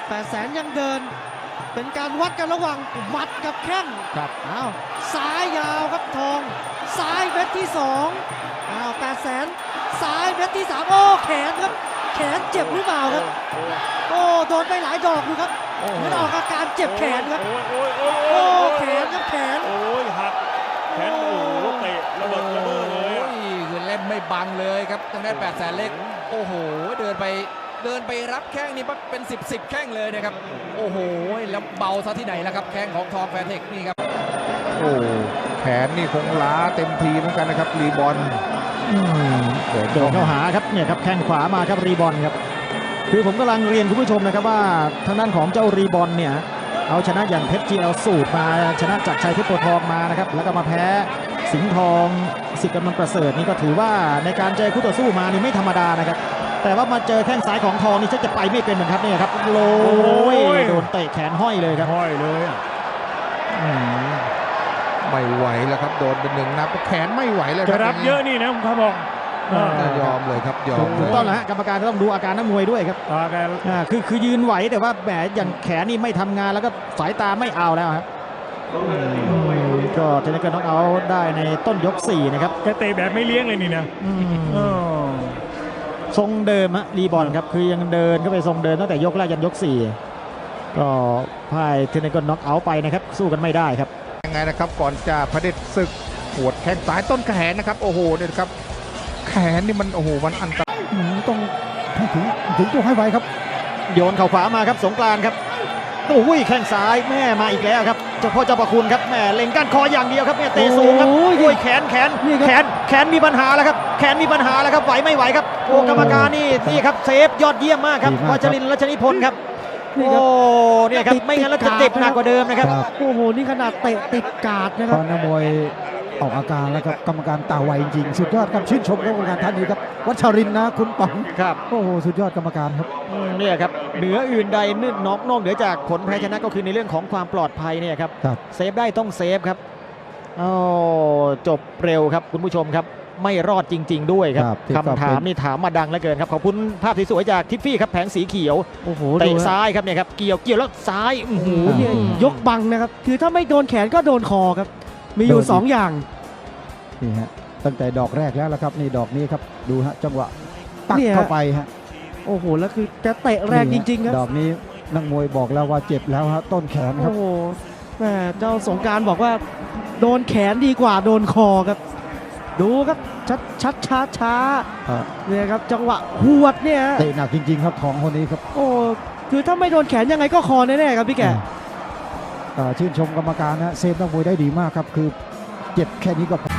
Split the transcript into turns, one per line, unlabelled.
800,000ยังเดินเป็นการวัดกันระหว่างหมัดกับแข้งครับอ้าวซ้ายยาวครับทองซ้ายเม็ดที่2อ้าว800,000ซ้ายเม็ดที่3โอ้แขนครับแขนเจ็บหรือเปล่าครับโอ้โดนไปหลายดอกดูครับเหมือนออกอาการเจ็บแขนครับโอ้แขนครับแขน
โอ้ยหักแขนโอ้เตะระเบิดเลย
คือเล่นไม่บังเลยครับทางด้าน800,000เล็กโอ้โหเดินไปรับแข้งนี่เป็น10แข้งเลยนะครับโอ้โหแล้วเบาซะที่ไหนแล้วครับแข้งของทองแฟร์เทคนี่ครับ
โอ้แขนนี่คงล้าเต็มทีเหมือนกันนะครับรีบอล
โดนเข้าหาครับเนี่ยครับแข้งขวามาครับรีบอลครับคือผมกำลังเรียนคุณผู้ชมนะครับว่าทางด้านของเจ้ารีบอลเนี่ยเอาชนะอย่างเพชร GL สูตรมาชนะจากชัยเพชรโพธิ์ทองมานะครับแล้วก็มาแพ้สิงห์ทองสิทธิ์กำนันประเสริฐนี่ก็ถือว่าในการเจอคู่ต่อสู้มานี่ไม่ธรรมดานะครับแต่ว่ามาเจอแข้งซ้ายของทองนี่จะไปไม่เป็นเหมือนครับเนี่ยครับโลยโดนเตะแขนห้อยเลยครับ
ห้อยเลย
ไม่ไหวแล้วครับโดนเป็น1 นับแขนไม่ไหวเลย
จะรับเยอะนี่นะผมบอก
ยอมเลยครับยอม
ถูกต้องแล้วฮะกรรมการต้องดูอาการนักมวยด้วยครับคือยืนไหวแต่ว่าแหมอย่างแขนนี่ไม่ทำงานแล้วก็สายตาไม่เอาแล้วครับก็เทนนิสก็ต้องเอาได้ในต้นยก4นะครับ
แกเตะแบบไม่เลี้ยงเลยนี่นะ
ทรงเดิมฮะรีบอลครับคือยังเดินก็ไปทรงเดินตั้งแต่ยกแรกยันยก4ก็พ่ายเทนนิสก็น็อกเอาท์ไปนะครับสู้กันไม่ได้ครับ
ยังไงนะครับก่อนจะเผด็จศึกปวดแข้งซ้ายต้นแขนนะครับโอ้โหเนี่ยครับแขนนี่มันโอ้โหมันอันตราย
ต้องถึงตัวให้ไวครับโยนเข่าขวามาครับสงกรานต์ครับโอ้ยแข้งซ้ายแม่มาอีกแล้วครับเจ้าพ่อเจ้าประคุณครับแม่เล็งก้านคออย่างเดียวครับเนี่ยเตะสูงครับโอ้ยแขนมีปัญหาแล้วครับแขนมีปัญหาแล้วครับไหวไม่ไหวครับโอ้กรรมการนี่ครับเซฟยอดเยี่ยมมากครับวัชรินทร์รัชนิพนธ์ครับโอ้เนี่ยครับไม่งั้นเราจะเจ็บหนักกว่าเดิมนะครับ
โอ้โหนี่ขนาดเตะติดกาดนะครับ
นักมวยออกอาการแล้วครับกรรมการตาไวจริงสุดยอดครับชื่นชมกรรมการท่านนี้ครับวัชรินทร์นะคุณป๋องครับโอ้โหสุดยอดกรรมการครับเนี่ยครับเหนืออื่นใดนอกเหนือจากผลแพ้ชนะก็คือในเรื่องของความปลอดภัยเนี่ยครับเซฟได้ต้องเซฟครับโอ้จบเร็วครับคุณผู้ชมครับไม่รอดจริงๆด้วยครับคำถามนี่ถามมาดังเหลือเกินครับขอบคุณภาพสวยๆจากทิฟฟี่ครับแผงสีเขียว
โอ้โห
เตะซ้ายครับเนี่ยครับเกี่ยวแล้วซ้ายโอ้โห
เนี่ยยกบังนะครับคือถ้าไม่โดนแขนก็โดนคอครับมีอยู่2อย่าง
นี่ฮะตั้งแต่ดอกแรกแล้วละครับนี่ดอกนี้ครับดูฮะจังหวะปักเข้าไปฮะ
โอ้โหแล้วคือจะเตะแรงจริงๆครับ
ดอกนี้นักมวยบอกแล้วว่าเจ็บแล้วฮะต้นแขนครับ
โอ้โหแม่เจ้าสงการบอกว่าโดนแขนดีกว่าโดนคอครับดูครับช้าเนี่ยครับจังหวะหวดเนี่ย
เตะหนักจริงๆครับของคนนี้ครับ
โอ้คือถ้าไม่โดนแขนยังไงก็คอแน่ๆครับพี่แก
ชื่นชมกรรมการนะเซฟนักมวยได้ดีมากครับคือเจ็บแค่นี้ก็